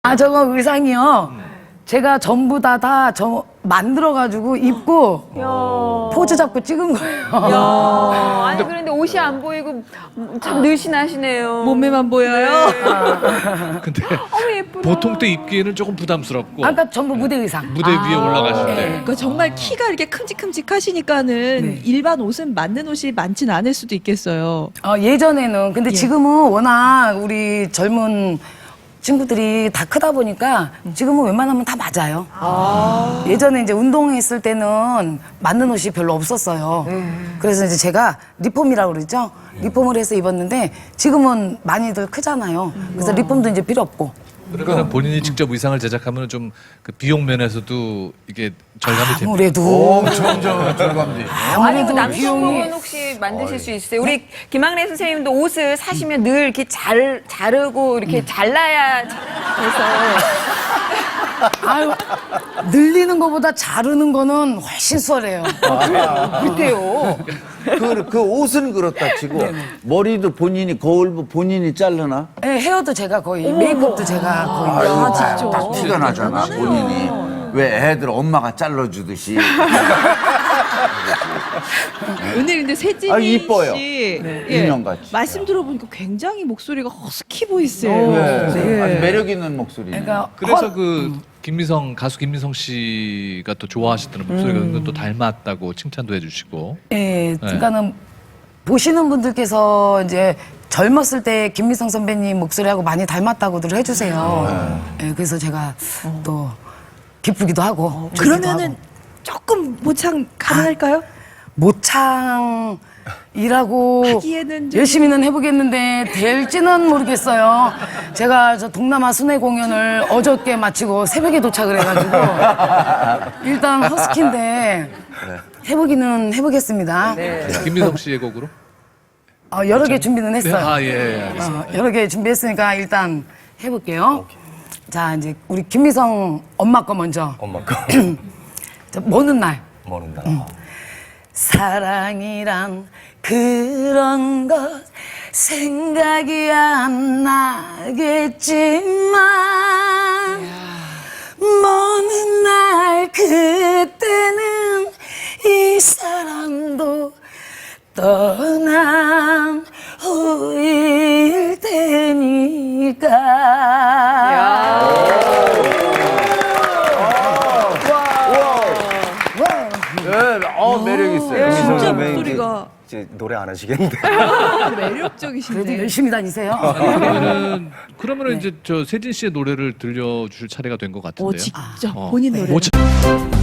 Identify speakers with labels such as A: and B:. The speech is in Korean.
A: 아, 저거 의상이요. 제가 전부 다 저 만들어가지고 입고 포즈 잡고 찍은 거예요.
B: 야, 아니 그런데 옷이 안 보이고 참 늘씬하시네요.
C: 몸매만 보여요.
D: 근데
B: 어머 예쁘다.
D: 보통 때 입기에는 조금 부담스럽고
A: 아까 전부 무대 의상.
D: 무대 위에 올라가실 때
C: 그러니까 정말 키가 이렇게 큼직큼직하시니까는 일반 옷은 맞는 옷이 많진 않을 수도 있겠어요.
A: 예전에는 근데 지금은 워낙 우리 젊은 친구들이 다 크다 보니까 지금은 웬만하면 다 맞아요. 예전에 이제 운동했을 때는 맞는 옷이 별로 없었어요. 그래서 이제 제가 리폼이라고 그러죠. 리폼을 해서 입었는데 지금은 많이들 크잖아요. 그래서 리폼도 이제 필요 없고.
D: 그러면 본인이 직접 의상을 제작하면 좀 그 비용 면에서도 이게 절감이 됩니다.
A: 아무래도
E: 엄청 절감돼.
B: 아니 그
A: 비용이-
B: 남성복은 혹시 만드실 수 있어요? 우리 김학래 선생님도 옷을 사시면 늘 이렇게 자르고 이렇게 잘라야 돼서
A: 아유, 늘리는 것보다 자르는 거는 훨씬 수월해요.
B: 그때요.
E: 그 옷은 그렇다 치고 머리도 본인이 거울 본인이 자르나?
A: 네, 헤어도 제가 거의 메이크업도 제가 거의.
E: 아유, 딱 티가 나잖아 본인이. 왜 애들 엄마가 잘라주듯이.
C: 오늘 근데 세진이
E: 아, 이뻐요.
C: 씨
E: 인형같이.
C: 말씀 들어보니까 굉장히 목소리가 허스키 보이세요.
E: 네.
C: 네.
E: 아주 매력 있는 목소리.
A: 그러니까
D: 그래서 그 김미성 가수 김미성 씨가 또 좋아하시던 목소리가 은근 또 닮았다고 칭찬도 해주시고.
A: 예, 그러니까는 보시는 분들께서 이제 젊었을 때 김미성 선배님 목소리하고 많이 닮았다고들 해주세요. 예, 그래서 제가 또 기쁘기도 하고. 좋기도
C: 그러면은
A: 하고.
C: 조금 모창 가능할까요?
A: 모창이라고
C: 하기에는 좀-
A: 열심히는 해보겠는데 될지는 모르겠어요. 제가 저 동남아 순회 공연을 어저께 마치고 새벽에 도착을 해가지고 일단 허스키인데 해보기는 해보겠습니다.
D: 김미성 씨의 곡으로?
A: 여러 개 준비는
D: 네,
A: 했어요.
D: 아 예, 알겠습니다.
A: 여러 개 준비했으니까 일단 해볼게요. 자, 이제 우리 김미성 엄마 거 먼저.
F: 엄마 거
A: 자, 먼 날.
F: 모른다.
A: 사랑이란 그런 것 생각이 안 나겠지만 먼 날 그때는 이 사람도 떠난 후일 테니까.
E: 매력 있어요.
C: 진짜
F: 선배님
C: 목소리가
F: 이제 노래 안 하시겠는데.
A: 그래도
C: 매력적이신데.
A: 열심히 다니세요.
D: 그러면은 이제 저 세진 씨의 노래를 들려주실 차례가 된 것 같은데요.
C: 직접 본인 노래.
D: 모창.